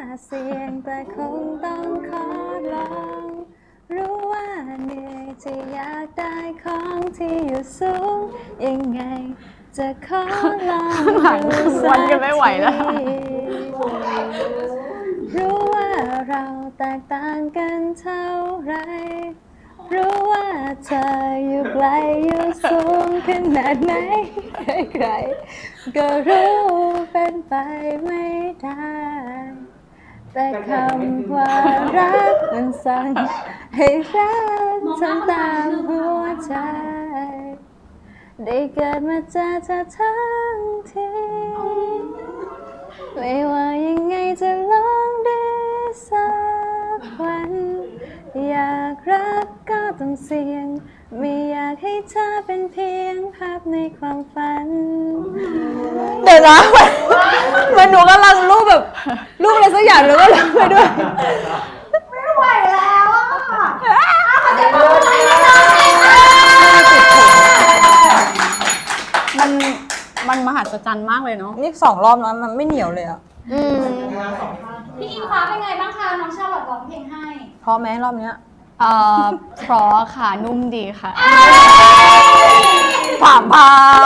เสี่ยงแต่คงต้องขอลองรู้ว่าเหนื่อยที่อยากได้ของที่อยู่สูงยังไงจะขอลองดูสักทีรู้ว่าเราแตกต่างกันเท่าไรรู้ว่าเธออยู่ไกลอยู่สูงขนาดไหนใครๆก็รู้เป็นไปไม่ได้แต่คำว่ารักมันสั่งให้รักทำตามหัวใจได้เกิดมาเจอเธอทั้งทีไม่ว่ายังไงจะลองดีสักวันอยากรักก็ต้องเสี่ยงไม่อยากให้เธอเป็นเพียงภาพในความฝันเดี๋ยวนะมันหนูกำลังรูปแบบรูปอะไรสักอย่างแล้วก็ร้องไปด้วยไม่ไหวแล้วอ่ะมันมหัศจรรย์มากเลยเนาะนี่2 รอบแล้วมันไม่เหนียวเลยอ่ะพี่อิงฟ้าเป็นไงบ้างคะน้องชาลอตร้องเพลงให้พอไหมรอบเนี้ยเพราะค่ะนุ่มดีค่ะผ่าน